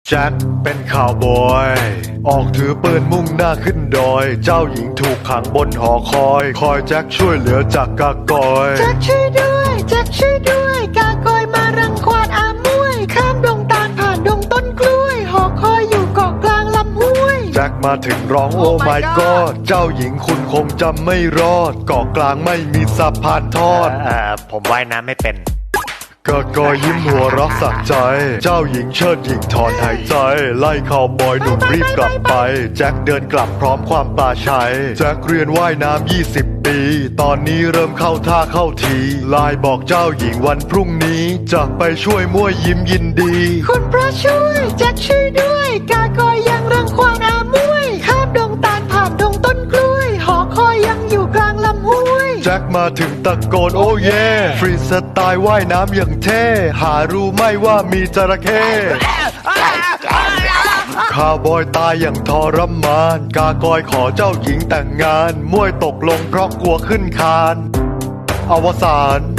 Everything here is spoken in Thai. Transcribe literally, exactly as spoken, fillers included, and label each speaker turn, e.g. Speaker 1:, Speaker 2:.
Speaker 1: แจ็คเป็นข่าวบอยออกถือปืนมุ่งหน้าขึ้นดอยเจ้าหญิงถูกขังบนหอคอยคอยแจ็คช่วยเหลือจากกากอย
Speaker 2: แจ็คช่วยด้วยแจ็คช่วยด้วยกากอยมารังควานอามวยข้ามดงตาลผ่านดงต้นกล้วยหอคอยอยู่เกาะกลางลำห้วย
Speaker 1: แจ็คมาถึงร้องโอ้ my god เจ้าหญิงคุณคงจำไม่รอดเกาะกลางไม่มีสะพานทอด
Speaker 3: เอ่อผมว่ายน้ำไม่เป็น
Speaker 1: กะกอยิ้มหัวเรักสักใจเจ้าหญิงเชิดหญิงถอนหายใจไล่ข่าวบอยหนุ่มรีบกลับไปแจ็คเดินกลับพร้อมความปลาชัยแจ็คเรียนว่ายน้ำยี่สิบปีตอนนี้เริ่มเข้าท่าเข้าทีไลน์บอกเจ้าหญิงวันพรุ่งนี้จะไปช่วยมั่วยิ้มยินดี
Speaker 2: คุณพระช่วยแจ็คช่วยด้วยกากอยยังรังควานอามวยข้ามดงตาลผ่านดงต้นกล้วยหอคอยยังอยู่กลางลำห้วย
Speaker 1: แจ็คมาถึงตะโกนโอ้เย่ฟรีสไตล์ว่ายน้ำอย่างเท่หารู้ไหม่ว่ามีจระเข้ข้าวบอยตายอย่างทรมานกากอยขอเจ้าหญิงแต่งงานมวยตกลงเพราะกลัวขึ้นคานอวสาน